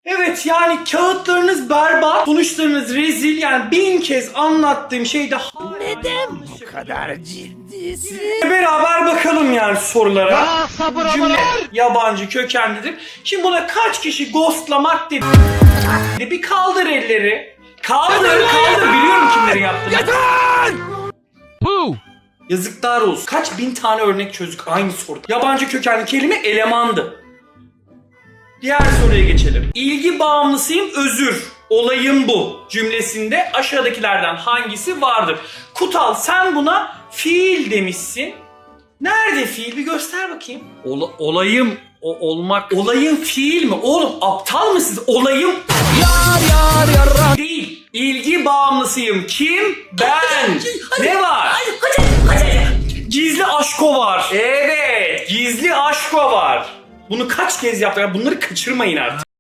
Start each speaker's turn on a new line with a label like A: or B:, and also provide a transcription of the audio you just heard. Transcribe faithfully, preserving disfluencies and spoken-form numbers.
A: Evet, yani kağıtlarınız berbat, sonuçlarınız rezil. Yani bin kez anlattığım şeyde
B: Neden bu kadar ciddisin?
A: beraber bakalım yani sorulara.
B: Ya sabır
A: Cümle yabancı kökenlidir. Şimdi buna kaç kişi ghostlamak dedi. Bir kaldır elleri. Kaldır, kaldır. Biliyorum kimlerin yaptığını.
B: Bu.
A: Yazıklar olsun. Kaç bin tane örnek çözdük aynı soruda. Yabancı kökenli kelime elemandı. Diğer soruya geçelim. İlgi bağımlısıyım, özür. Olayım bu cümlesinde aşağıdakilerden hangisi vardır? Kutal, sen buna fiil demişsin. Nerede fiil? Bir göster bakayım. Ola, olayım o, olmak. Olayım fiil mi? Oğlum aptal mısınız? Olayım
B: Yar yar yar.
A: değil. İlgi bağımlısıyım. Kim? Ben. Ne var? Gizli aşko var. Evet. Gizli aşko var. Bunu kaç kez yaptık? Bunları kaçırmayın artık.